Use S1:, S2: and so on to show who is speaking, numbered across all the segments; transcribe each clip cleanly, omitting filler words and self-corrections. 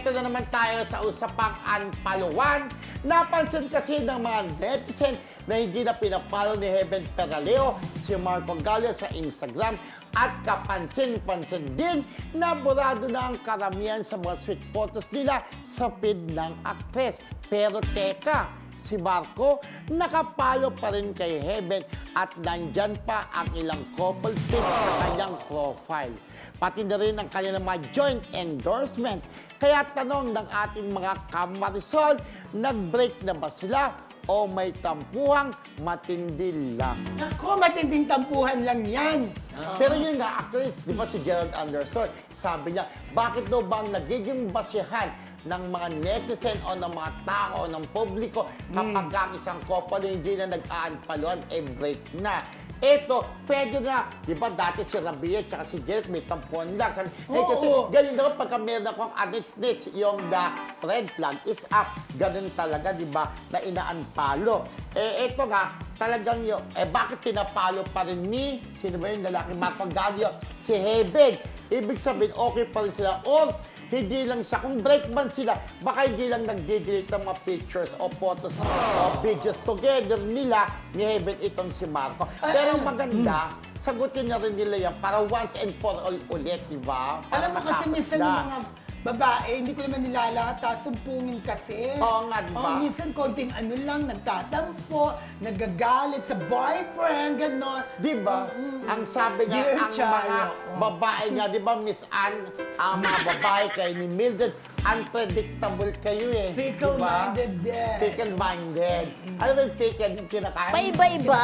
S1: eto na naman tayo sa usapang unfollowan. Napansin kasi ng mga netizen na hindi na pinapalo ni Heaven Peraleo si Marco Gallio sa Instagram at kapansin-pansin din na burado na ang karamihan sa mga sweet photos nila sa feed ng aktres. Pero teka, si Marco nakapalo pa rin kay Heaven at nandyan pa ang ilang couple pics sa kanyang profile. Pati na rin ang kanilang mga joint endorsement. Kaya tanong ng ating mga kamarisol, nag-break na ba sila o may tampuhang matindi lang?
S2: Naku, matinding tampuhan lang yan.
S1: Pero yun nga, actually, di ba si Gerald Anderson, sabi niya, bakit daw ba ang nagiging basihan ng mga netizen o ng mga tao o ng publiko kapag ang isang couple hindi na nag-unfollowan, break na. Eto, pwede na. Di ba dati si Rabia at si Gerald may tampuan lang. Sabi, kasi ganun daw pagka meron akong anits-nits, yung the red flag is up. Ganun talaga, di ba, na ina-unfollow. Eto nga, talagang yun, bakit pinapalo pa rin ni, sino ba yung lalaki, Marco Gallio, si Heaven? Ibig sabihin, okay pa rin sila. Or, hindi lang siya. Kung break man sila, baka hindi lang nag-delete ng mga pictures o photos o videos together nila ni Heaven itong si Marco. Pero maganda, sagutin na rin nila yan para once and for all ulit, di ba?
S2: Alam mo kasi minsan yung mga babae, hindi ko naman nilalata, sumpungin kasi.
S1: Oo nga, di ba?
S2: Minsan konting ano lang, nagtatampo, nagagalit sa boyfriend, gano'n.
S1: Di ba? Ang sabi nga,
S2: Dear
S1: ang mga babae nga, di ba, Miss Anne, ang mga babae kayo ni Mildred, unpredictable kayo eh.
S2: Fickle-minded din.
S1: Fickle-minded. Alam mo yung fickle, yung kinakain?
S3: Paiba-iba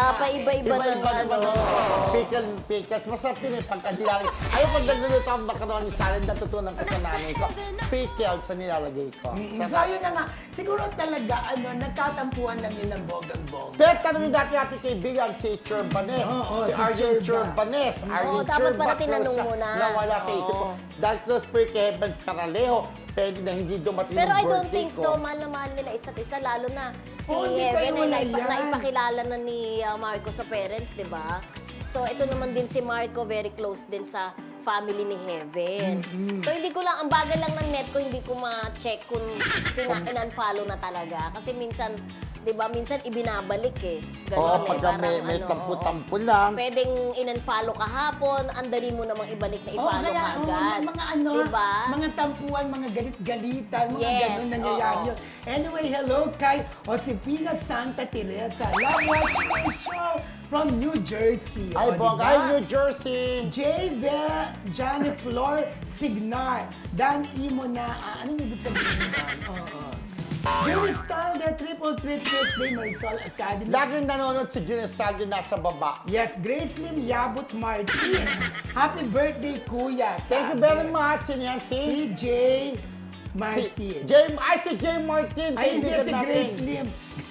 S3: ng
S1: naman
S3: ano.
S1: Pickles. Masarap yun eh, pagkadilang. Ayaw pag nagluluto ang macaroni salad, natutunan ko sa nanay ko. Pickles sa nilalagay ko.
S2: So yun na nga, siguro talaga, nagtatampuhan lang yun ng bogang-bog.
S1: Pero tanongin dati ating kaibigan, si Churbanes.
S2: Oo,
S1: si
S2: si
S1: Arjen
S2: Churba.
S1: Churbanes.
S3: Oo, dapat pala tinanong mo na.
S1: Nawala sa isip ko. Dahil close po yung kay Heaven Paralejo, pwede na hindi dumating
S3: Pero
S1: yung
S3: I don't
S1: birthday
S3: think
S1: ko.
S3: so. Mahal na mahal nila isa't isa. Lalo na si
S2: Oo, hindi
S3: Heaven
S2: kayo wala
S3: ay
S2: yan.
S3: naipakilala na ni Marco sa parents, di ba? So ito naman din si Marco, very close din sa family ni Heaven. So hindi ko lang, ang bagal lang ng net ko, hindi ko ma-check kung in-unfollow na talaga. Kasi minsan, di ba, minsan ibinabalik eh.
S1: Oo,
S3: Ganon
S1: pagka may
S3: Parang
S1: tampu-tampu lang.
S3: Pwedeng in-unfollow kahapon, andali mo namang ibalik na i-follow ka agad.
S2: Mga
S3: Diba?
S2: mga tampuan, mga galit-galitan, mga
S3: Yes,
S2: ganun nangyayari
S3: oo.
S2: yun. Anyway, hello kay Josefina Santa Teresa. Love watching my show from New Jersey.
S1: Ay,
S2: O,
S1: bongga.
S2: diba?
S1: Ay, New Jersey.
S2: Johnny Flor Signar. Dan Imo na, anong ibig sabihin nun? Oo. Julie Stalde, Triple Threat Tuesday, Marisol Academy.
S1: Laging nanonood si Junior Stalin nasa baba.
S2: Yes, Grace Lim Yabut Martin. Happy birthday, Kuya.
S1: Thank you
S2: sabi.
S1: very much. Sino yan?
S2: Si J. Martin.
S1: Si Jay Martin.
S2: Ay, hindi
S1: kaibigan
S2: si
S1: natin.
S2: Grace Lim.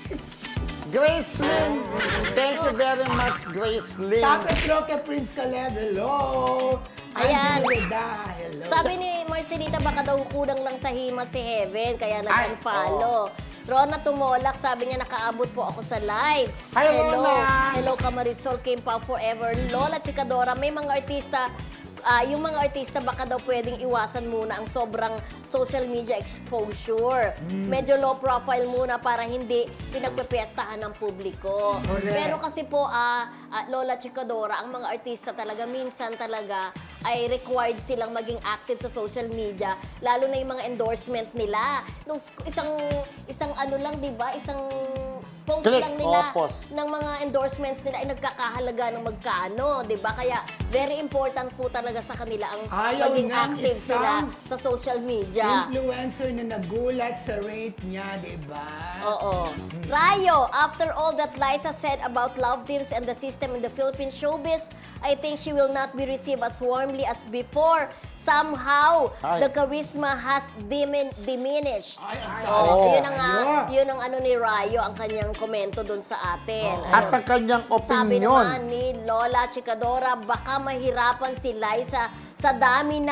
S1: Grace Lim. Thank you very much, Grace Lim.
S2: Tapos Roque Prince Caleb, hello.
S3: Ayan.
S2: Angelo Reda, hello.
S3: Sabi ni Marcelita, baka daw kulang lang sa hima si Heaven, kaya
S1: Ay,
S3: nag-unfollow. Rona Tumolak, sabi niya, nakaabot po ako sa live.
S1: Hi, Rona!
S3: Hello, Kamarisol, Kim Pao Forever. Lola Chikadora, may mga artista, yung mga artista baka daw pwedeng iwasan muna ang sobrang social media exposure. Medyo low profile muna para hindi pinagpepiestahan ng publiko.
S2: Correct.
S3: Pero kasi po, Lola Chikadora, ang mga artista talaga, minsan talaga ay required silang maging active sa social media, lalo na yung mga endorsement nila. Nung isang ano lang, 'di ba? Isang post
S1: Click,
S3: lang nila
S1: post.
S3: ng mga endorsements nila ay nagkakahalaga ng magkano, 'di ba? Kaya very important po talaga sa kanila ang
S2: Ayaw
S3: maging
S2: ng
S3: active
S2: isang
S3: sila sa social media.
S2: Influencer na nagulat sa rate niya, di ba?
S3: Oo. Rayo, after all that Liza said about love teams and the system in the Philippine showbiz, I think she will not be received as warmly as before. Somehow,
S1: Ay.
S3: the charisma has diminished.
S2: Ay, ang
S1: Oo.
S3: Yun ang,
S2: Rayo.
S3: yun ang ano ni Rayo, ang kanyang komento dun sa atin.
S1: At ang kanyang
S3: Sabi
S1: opinion.
S3: naman ni Lola Chikadora, baka mahirapan si Liza sa dami na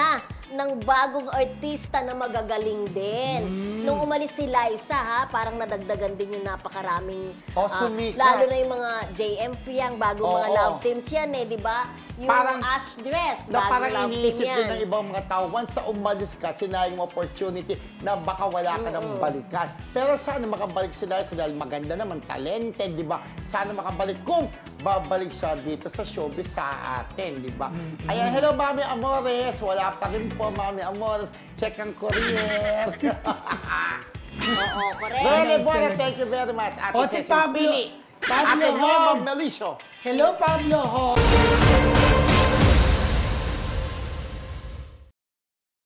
S3: ng bagong artista na magagaling din. Nung umalis si Liza, ha, parang nadagdagan din yung napakaraming...
S1: Sumikat.
S3: lalo na yung mga JM Fiang, bagong mga
S1: Oo.
S3: love teams yan eh, di ba? Yung
S1: Parang-
S3: Ash Dress,
S1: Na
S3: bagong
S1: parang
S3: love team
S1: iniisip
S3: yan.
S1: din ng ibang mga tao, once sa umalis ka, sinayang yung opportunity na baka wala ka ng balikan. Pero sana makabalik sila dahil maganda naman, talented, di ba? Sana makabalik kung babalik siya dito sa showbiz sa atin, di ba? Ayan, hello Mami Amores, wala pa rin po Mami Amores, check ang courier.
S3: Oo, correct.
S1: Really,
S2: Nice
S1: Bona,
S2: talaga.
S1: thank you very much. Ate
S2: O, si
S1: Cecil
S2: Pablo.
S1: Pini.
S2: Pablo
S1: Ate Norma
S2: Hom.
S1: Melisio.
S2: Hello, Pablo Ho.